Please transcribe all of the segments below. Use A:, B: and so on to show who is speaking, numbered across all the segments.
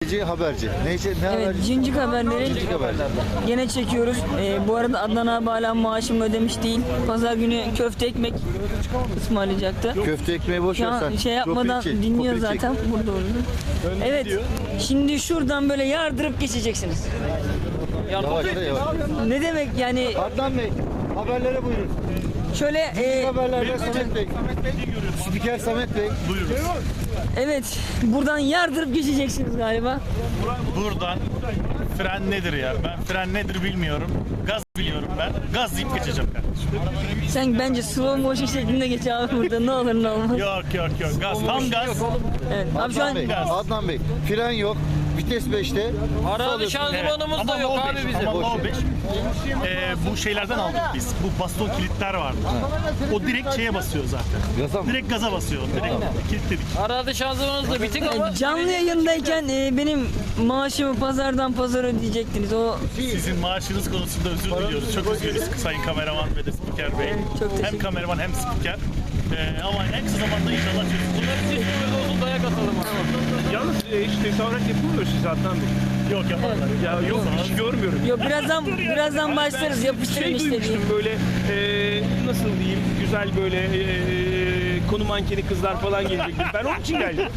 A: Haberci. Ne
B: Evet,
A: haberci?
B: Cincik haberleri
A: Cincik haberci.
B: gene çekiyoruz. Bu arada Adnan abi hala maaşımı ödemiş değil. Pazar günü köfte ekmek ısmarlayacaktı.
A: Köfte ekmeği boş ver
B: Şu
A: sen.
B: an şey yapmadan
A: Kopil çek,
B: dinliyor
A: kopil çek.
B: zaten. Burada oldu. Evet, şimdi şuradan böyle yardırıp geçeceksiniz.
A: Yavaş yavaş.
B: Ne demek yani
A: Adnan Bey, haberlere buyurun.
B: şöyle
A: Haberlerde Samet Bey. Spiker Samet Bey.
B: evet, buradan yardırıp geçeceksiniz galiba.
C: Buradan fren nedir ya? Ben fren nedir bilmiyorum. Gaz biliyorum ben. Gaz deyip geçeceğim kardeşim.
B: Sen bence slow motion şeklinde geç abi burada, ne olur ne olmaz.
C: Yok. Gaz. Tam gaz.
B: Evet, abi şu an
A: Adnan Bey, Adnan Bey. Fren yok. Vites 5'te.
D: Arazi şanzımanımız da yok
C: low
D: abi
C: beş,
D: bizim.
C: ama low beş. Bu şeylerden aldık biz. Bu baston kilitler vardı. O direkt şeye basıyor zaten.
A: Gaza mı?
C: Direkt gaza basıyor. Direkt kilitledik.
D: Arazi şanzımanımız da bitik ama
B: canlı yayındayken benim maaşımı pazardan pazara ödeyecektiniz. O
C: Sizin maaşınız konusunda özür diliyoruz. Çok üzgünüz Sayın Kameraman ve de Spiker Bey.
B: çok teşekkür
C: Hem kameraman hem spiker. Ama en kısa zamanda inşallah çözülür.
D: bunları siz olsun dayak atalım abi.
E: Yalnız hiç tezahürat yapılmıyor siz Adnan Bey.
C: Yok yaparlar.
E: Ya yok hiç görmüyorum.
B: Yok, birazdan başlarız, yapıştırın
E: Şey
B: işte.
E: duymuştum böyle nasıl diyeyim güzel böyle konu mankeni kızlar falan gelecekti. Ben onun için geldim.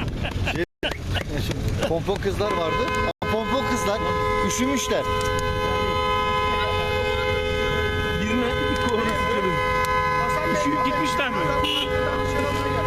A: Pompon kızlar vardı. Ama pompon kızlar üşümüşler.
E: Birine bir korona sıçradı. Üşüyüp gitmişler mi?